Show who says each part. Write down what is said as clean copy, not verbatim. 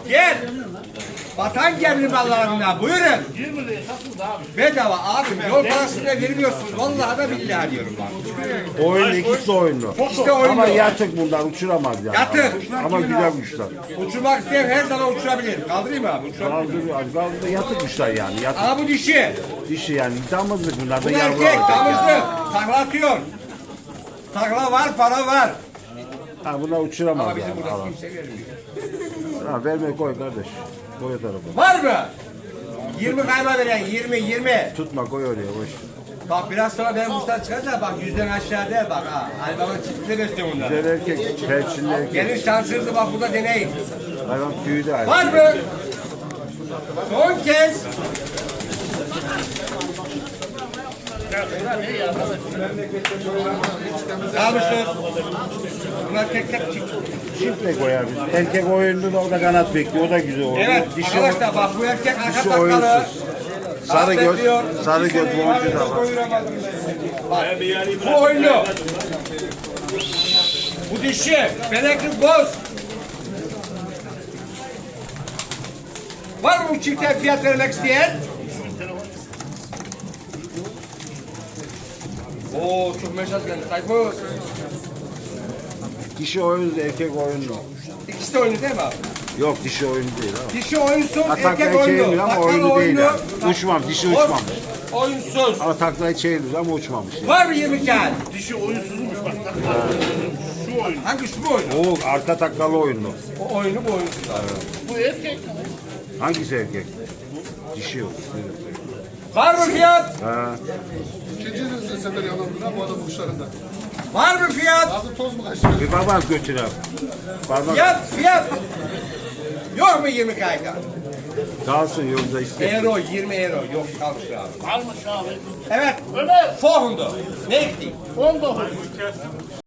Speaker 1: Gel. Vatan gemli mallarından buyurun.
Speaker 2: 20 liraya satıldı abi.
Speaker 1: Bedava abim yol parasını da vermiyorsunuz. Vallahi da billahi diyorum bak.
Speaker 3: Oyun ikisi de oyunlu.
Speaker 1: İşte oyunu.
Speaker 3: Ama yatık bunlar uçuramaz yani.
Speaker 1: Yatık.
Speaker 3: Ama güzel kuşlar.
Speaker 1: Uçurmak isteyen her zaman uçurabilir. Kaldırayım mı abi? Uçurabilir.
Speaker 3: Kaldı yatık kuşlar yani. Yatık
Speaker 1: Ama bu dişi.
Speaker 3: dişi yani. Damızlık bunlar da
Speaker 1: Bu
Speaker 3: yavru.
Speaker 1: erkek damızlı. Takla atıyor. Takla var, para var.
Speaker 3: Ha buna uçuramaz
Speaker 1: Ama bizim
Speaker 3: yani.
Speaker 1: burada
Speaker 3: Alan.
Speaker 1: kimse vermiyor.
Speaker 3: Ha verme koy kardeş. Koy o tarafa.
Speaker 1: Var mı? 20 kayma veren 20.
Speaker 3: Tutma koy oraya boş.
Speaker 1: Bak biraz sonra benim kuşlar çıkar da bak yüzden aşağı değil bak ha. Hayvanın çiftliği besliyor bunlar.
Speaker 3: Güzel erkek. Perçinli erkek.
Speaker 1: Gelin şansınızı bak burada deneyin.
Speaker 3: Hayvan tüyü de ayrı.
Speaker 1: Var mı? Son kez. Kalmıştır. Bunlar tek tek çık.
Speaker 3: Çiftle koyar biz. Erkek oyunlu da o da kanat bekliyor. O da güzel oynuyor.
Speaker 1: Evet
Speaker 3: Dişi,
Speaker 1: arkadaşlar bak bu erkek arka
Speaker 3: dişi
Speaker 1: takkalı.
Speaker 3: oyunsuz. Sarı göz, sarı göz boncuğu da var.
Speaker 1: Bak, bu oyunu. Bu dişi. Benekli boz. Var mı bu çifte fiyat vermek isteyen? Oo çok mesaj geldi. Tayfun.
Speaker 3: Dişi oyunlu, erkek oyunlu.
Speaker 1: İkisi de oyunu değil mi abi?
Speaker 3: Yok dişi oyunlu değil abi.
Speaker 1: Dişi oyunsuz, erkek
Speaker 3: Taklayı
Speaker 1: oyunu.
Speaker 3: çevirmiyor ama
Speaker 1: Takkalı
Speaker 3: oyunu değil
Speaker 1: oyunu.
Speaker 3: yani. Uçmam, dişi uçmamış.
Speaker 1: Oyunsuz.
Speaker 3: Ama taklayı çeviriyor ama uçmamış. Yani.
Speaker 1: Var mı 20 kağıt?
Speaker 2: Dişi oyunsuzmuş bak. Şu oyun.
Speaker 1: Hangi şu bu oyunu?
Speaker 3: O arka taklalı oyunlu.
Speaker 1: O oyunu bu oyunsuz.
Speaker 2: Bu erkek.
Speaker 3: Hangisi erkek? Dişi yok.
Speaker 1: Var mı fiyat?
Speaker 3: Ha.
Speaker 4: İkinci sefer yalandılar bu adam kuşlarında.
Speaker 1: Var mı fiyat?
Speaker 4: Ağzı toz mu kaçtı?
Speaker 3: Bir parmak götür abi. Parmak
Speaker 1: Fiyat. Yok mu 20 kağıt?
Speaker 3: kalsın yolda iste.
Speaker 1: Euro 20 euro. Yok kalmış abi.
Speaker 2: Almış abi.
Speaker 1: Evet.
Speaker 2: Ömer.
Speaker 1: Forhundu. Ne ektik?
Speaker 2: 19.